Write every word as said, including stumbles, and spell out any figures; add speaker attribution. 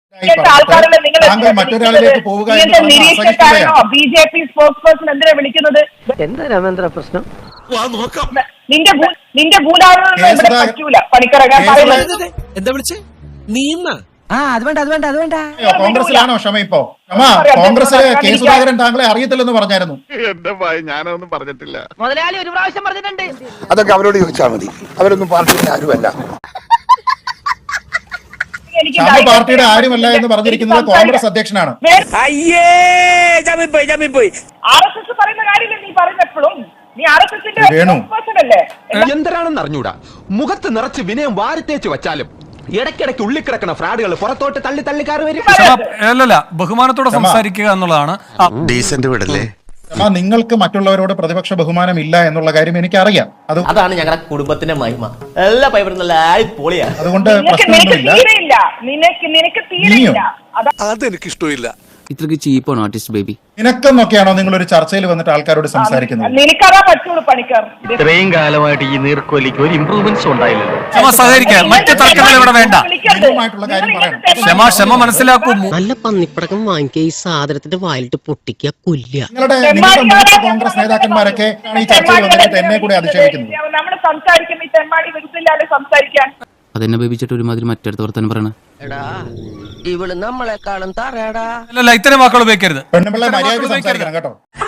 Speaker 1: താങ്കൾ മറ്റൊരാളിലേക്ക് പോവുക
Speaker 2: B J P spokesperson എന്തിനാ വിളിക്കുന്നത്?
Speaker 3: എന്താ രാമേന്ദ്ര പ്രശ്നം?
Speaker 2: നിന്റെ നിന്റെ ഭൂലാവണം പറ്റൂല പണിക്കറങ്ങാൻ.
Speaker 4: എന്താ വിളിച്ചേ? നീ
Speaker 3: ആ അത് വേണ്ട അത് വേണ്ട അത് വേണ്ട.
Speaker 1: കോൺഗ്രസിലാണോ ക്ഷമ? ഇപ്പോ ക്ഷമ കോൺഗ്രസിലെ കെ സുധാകരൻ താങ്കളെ അറിയത്തില്ലെന്ന് പറഞ്ഞായിരുന്നു.
Speaker 5: എന്റെ ഭയ ഞാനൊന്നും പറഞ്ഞിട്ടില്ല.
Speaker 3: മുതലാളി ഒരു പ്രാവശ്യം പറഞ്ഞിട്ടുണ്ട്.
Speaker 5: അതൊക്കെ അവരോട് ചോദിച്ചാൽ മതി. അവരൊന്നും പാർട്ടിയിൽ ആരുമല്ല.
Speaker 1: ക്ഷമ പാർട്ടിയുടെ ആരുമല്ല എന്ന് പറഞ്ഞിരിക്കുന്നത് കോൺഗ്രസ് അധ്യക്ഷനാണ്.
Speaker 4: എന്തരാണെന്ന് അറിഞ്ഞൂടാ. മുഖത്ത് നിറച്ച് വിനയം വാരിത്തേച്ച് വച്ചാലും ഇടയ്ക്കിടയ്ക്ക് ഉള്ളിക്കിടക്കണ ഫ്രാഡുകൾ പുറത്തോട്ട് തള്ളി തള്ളിക്കാറ് വരും.
Speaker 6: അല്ലല്ല, ബഹുമാനത്തോടെ സംസാരിക്കുക എന്നുള്ളതാണ്.
Speaker 5: ഡീസന്റ് വീടല്ലേ?
Speaker 1: നിങ്ങൾക്ക് മറ്റുള്ളവരോട് പ്രതിപക്ഷ ബഹുമാനം ഇല്ല എന്നുള്ള കാര്യം എനിക്കറിയാം. അത്
Speaker 7: അതാണ് ഞങ്ങളുടെ കുടുംബത്തിന്റെ മഹിമ. എല്ലാ പൈപ്പറും നല്ല പൊളിയാ.
Speaker 1: അതുകൊണ്ട് പ്രശ്നമൊന്നുമില്ല.
Speaker 5: അതെനിക്ക് ഇഷ്ടമില്ല.
Speaker 8: ഇത്രക്ക് ചീപ്പാണ് ആർട്ടിസ്റ്റ് ബേബി.
Speaker 1: നിനക്കെന്നൊക്കെയാണോ നിങ്ങൾ ഒരു ചർച്ചയിൽ വന്നിട്ട് ആൾക്കാരോട് സംസാരിക്കുന്നത്?
Speaker 2: നിനക്കതാ പറ്റുള്ളൂ പണിക്കർ.
Speaker 9: ഇത്രയും കാലമായിട്ട് ഈ നീർക്കോലിക്ക് ഒരു ഇംപ്രൂവ്മെന്റ്സ് ഉണ്ടായില്ലല്ലോ.
Speaker 6: ക്ഷമ സഹകരിക്കുക. മറ്റു തർക്കങ്ങൾ ഇവിടെ വേണ്ട.
Speaker 1: നിങ്ങളുമായിട്ടുള്ള കാര്യം പറയണം.
Speaker 6: ക്ഷമ ക്ഷമ മനസ്സിലാക്കൂ.
Speaker 3: നല്ല പന്നിപ്പടക്കം വാങ്ങിക്കുക, ഈ സാധനത്തിന്റെ വായിലിട്ട് പൊട്ടിക്കുക, കൊല്ലുക.
Speaker 1: നിങ്ങളുടെ നിങ്ങളുടെ മുതിർന്ന കോൺഗ്രസ് നേതാക്കന്മാരൊക്കെ ഈ ചർച്ചയിൽ വന്നിട്ട് എന്നെ കൂടെ അധിക്ഷേപിക്കുന്നത്.
Speaker 2: നമ്മൾ സംസാരിക്കുമ്പോൾ ഈ തെമ്മാടി വിരുദ്ധില്ലാതെ സംസാരിക്കാൻ
Speaker 8: അതെന്നെ ബേബിച്ചിട്ട് ഒരുമാതിരി മറ്റടുത്ത് വർത്താനം പറയണ.
Speaker 3: ഇവള് നമ്മളെക്കാളും തറയടാ.
Speaker 6: അല്ലല്ല, ഇത്തരം വാക്കുകൾ ഉപയോഗിക്കരുത്.
Speaker 1: പെണ്ണുപിള്ള മര്യാദയ്ക്ക് സംസാരിക്കണം കേട്ടോ.